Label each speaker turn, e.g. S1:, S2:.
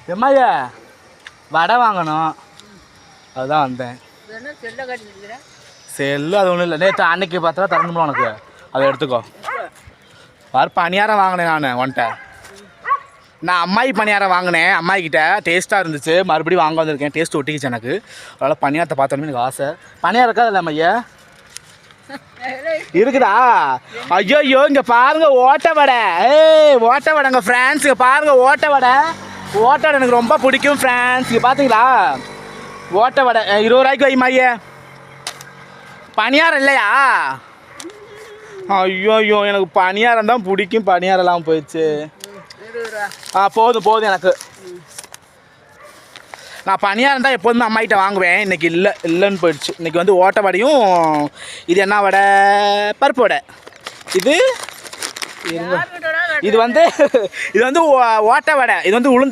S1: எம்மாயா வடை வாங்கணும், அதுதான் வந்தேன். செல்லு அது ஒன்றும் இல்லை, நேற்று அன்னைக்கு பார்த்தா தரணும்ல உனக்கு, அதை எடுத்துக்கோ. பாரு பணியாரம் வாங்கினேன் நான் உன்ட்ட. நான் அம்மாயி பணியாரம் வாங்கினேன், அம்மாயிக்கிட்ட டேஸ்ட்டாக இருந்துச்சு, மறுபடியும் வாங்க வந்திருக்கேன். டேஸ்ட் ஒட்டிக்கிச்சு எனக்கு, அதனால் பணியாரத்தை பார்த்தோன்னே எனக்கு ஆசை. பணியாரம் இருக்கா இல்லை அம்மையா? இருக்குதா? ஐயோ ஐயோ, இங்கே பாருங்க ஓட்ட வடை. ஓட்ட வடைங்க ஃப்ரெண்ட்ஸ், இங்கே பாருங்க ஓட்ட வடை. ஓட்ட வடை எனக்கு ரொம்ப பிடிக்கும் ஃப்ரெண்ட்ஸ். இங்கே பார்த்தீங்களா ஓட்ட வடை 20 ரூபாய்க்கு வைமாயே. பணியாரம் இல்லையா? ஐயோ ஐயோ, எனக்கு பணியாரம் தான் பிடிக்கும், பணியாரம்லாம் போயிடுச்சு. போதும் போதும் எனக்கு. நான் பணியாரம் தான் எப்போதுமே அம்மாகிட்ட வாங்குவேன், இன்றைக்கி இல்லைன்னு போயிடுச்சு. இன்றைக்கி வந்து ஓட்ட வடையும், இது என்ன வடை, பருப்பு வடை. இது வந்து ஓட்ட வடை, இது வந்து உளுந்து